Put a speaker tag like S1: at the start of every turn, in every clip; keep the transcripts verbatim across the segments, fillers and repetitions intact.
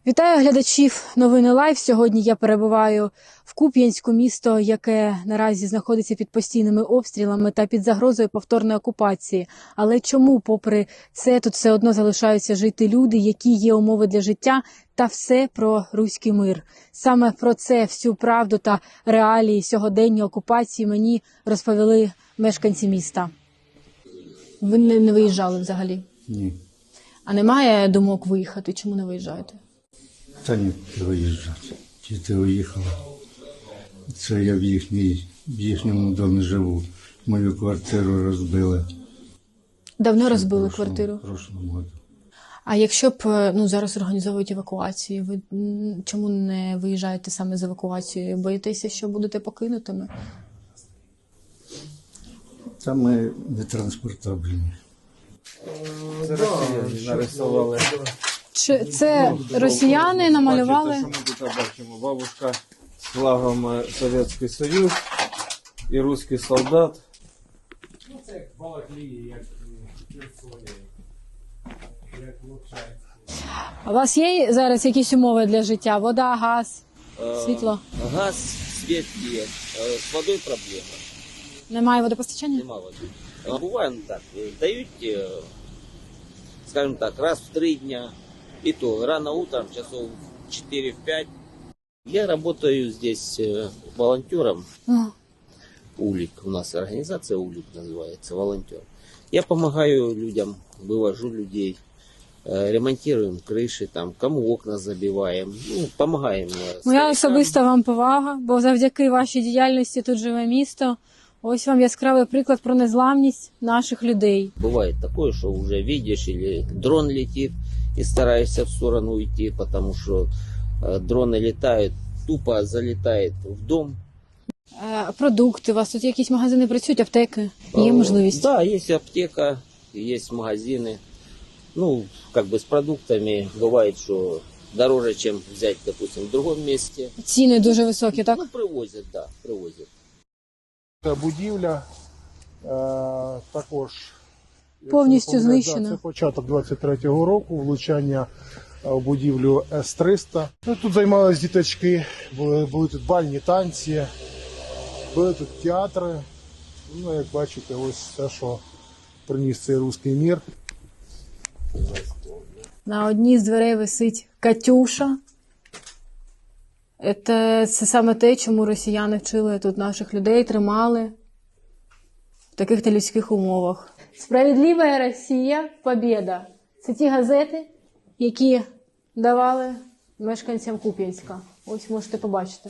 S1: Вітаю глядачів новини Лайв. Сьогодні я перебуваю в Куп'янську, місто, яке наразі знаходиться під постійними обстрілами та під загрозою повторної окупації. Але чому, попри це, тут все одно залишаються жити люди, які є умови для життя, та все про руський мир. Саме про це, всю правду та реалії сьогодення окупації мені розповіли мешканці міста. Ви не, не виїжджали взагалі?
S2: Ні.
S1: А немає думок виїхати? Чому не виїжджаєте?
S2: Та ні, виїжджати. Чи ти виїхала? Це я в, їхній, в їхньому домі живу. Мою квартиру розбили.
S1: Давно розбили
S2: в прошлому,
S1: квартиру?
S2: В прошлому году.
S1: А якщо б ну, зараз організовують евакуацію, ви м, чому не виїжджаєте саме з евакуацією? Боїтеся, що будете покинутими?
S2: Та ми не транспортабельні.
S3: Це росіяни нарисували.
S1: Чи це росіяни намалювали?
S3: Бачите, що ми тут бачимо? Бабушка з флагом Совєтський Союз і русський солдат.
S4: Ну, це як Балаклії, як Херсоні, як Луценську.
S1: А у вас є зараз якісь умови для життя? Вода, газ, світло?
S5: Газ, свет есть. Э, С водой проблема.
S1: Немає водопостачання?
S5: Нема воды. А бывает так. э, Дают, э, скажем так, раз в три дня. И то рано утром, часов в четыре-пять. Я работаю здесь э, волонтером.
S1: Ага.
S5: УЛИК. У нас организация УЛИК называется, волонтер. Я помогаю людям, вывожу людей. э, Ремонтируем крыши, там, кому окна забиваем. Ну, помогаем. э,
S1: Моя
S5: старикам.
S1: особиста вам повага, бо завдяки вашій діяльності тут живе місто. Ось вам яскравий приклад про незламність наших людей.
S5: Бывает такое, что уже видишь, или дрон летит, и стараешься в сторону уйти, потому что э, дроны летают, тупо залетает в дом.
S1: Е, Продукти, у вас тут якісь магазини працюють, аптеки? Є
S5: Э,
S1: можливість?
S5: Да, есть аптека, есть магазины. Ну, как бы с продуктами бывает, что дороже, чем взять, допустим, в другом месте.
S1: Ціни дуже високі, так?
S5: Ну, привозят, да, привозят.
S6: Ця будівля е, також якщо
S1: Повністю
S6: не помиляюсь,
S1: знищена.
S6: да, це початок двадцять третього року, влучання е, в будівлю С триста. Ну, тут займалися діточки, були, були тут бальні танці, були тут театри. Ну, як бачите, ось все, що приніс цей руський мір.
S1: На одній з дверей висить Катюша. Це, це саме те, чому росіяни вчили тут наших людей, тримали в таких нелюдських умовах. Справедлива Росія, побєда. Це ті газети, які давали мешканцям Куп'янська. Ось можете побачити.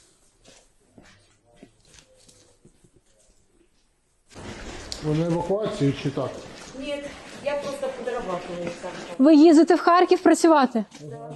S6: Ви на евакуацію чи так?
S7: Нет, я просто подрабатываю там.
S1: Ви їздите в Харків працювати?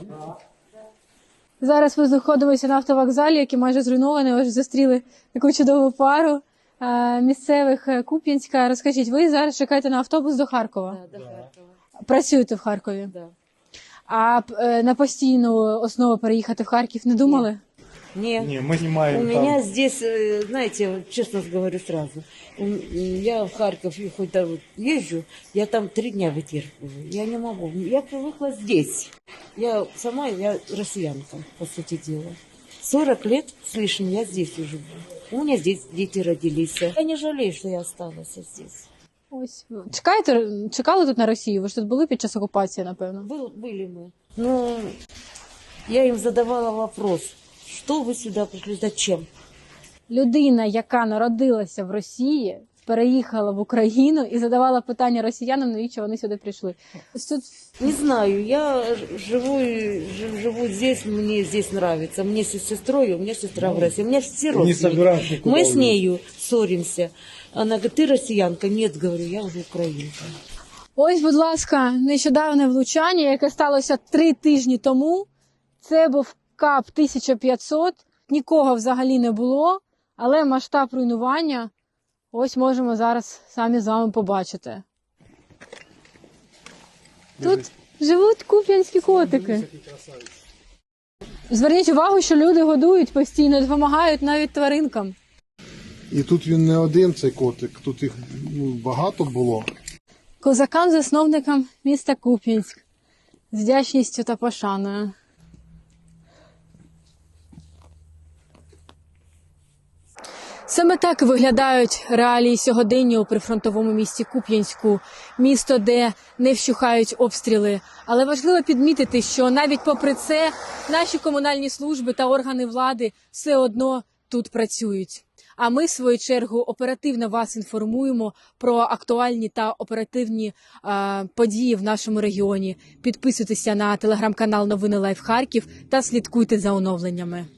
S1: Зараз ми знаходимося на автовокзалі, який майже зруйнований. Ось зустріли таку чудову пару е, місцевих е, Куп'янська. Розкажіть, ви зараз чекаєте на автобус до Харкова?
S7: Да, до Харкова.
S1: Працюєте в Харкові?
S7: Да.
S1: А е, на постійну основу переїхати в Харків не думали?
S7: Не,
S4: Ні, ми знімаємо
S7: у
S4: там.
S7: меня здесь, э, знаете, вот честно говорю сразу, м, я в Харьков и хоть да, вот езжу, я там три дня вытерпываю. Я не могу. Я привыкла здесь. Я сама, я россиянка, по сути дела. сорок лет с лишним я здесь уже живу. У меня здесь дети родились. Я не жалею, что я осталась здесь.
S1: Ось. Чекаєте, чекали тут на Росію? Ви ж тут були під час окупації, напевно?
S7: Был, были мы. Но я им задавала вопрос, что вы сюда пришли, зачем?
S1: Людина, яка народилася в Росії, переїхала в Україну і задавала питання росіянам, навіщо вони сюди прийшли. Ось тут
S7: Не знаю, я живу, жив- живу здесь, мне здесь нравится. Мне с сестрой, у меня сестра в России, у меня все родственники. Мы с нею ссоримся. Она говорит, ты россиянка? Нет, говорю, я уже украинка.
S1: ось, будь ласка, нещодавне влучання, яке сталося три тижні тому. Це був КАП тисяча п'ятсот, нікого взагалі не було, але масштаб руйнування ось можемо зараз самі з вами побачити. Тут живуть куп'янські котики. Зверніть увагу, що люди годують постійно, допомагають навіть тваринкам.
S6: І тут він не один, цей котик, тут їх ну, багато було.
S1: Козакам-засновникам міста Куп'янськ з вдячністю та пошаною. Саме так виглядають реалії сьогодення у прифронтовому місті Куп'янську, місто, де не вщухають обстріли. Але важливо підмітити, що навіть попри це наші комунальні служби та органи влади все одно тут працюють. А ми, в свою чергу, оперативно вас інформуємо про актуальні та оперативні е, події в нашому регіоні. Підписуйтеся на телеграм-канал Новини Лайф Харків та слідкуйте за оновленнями.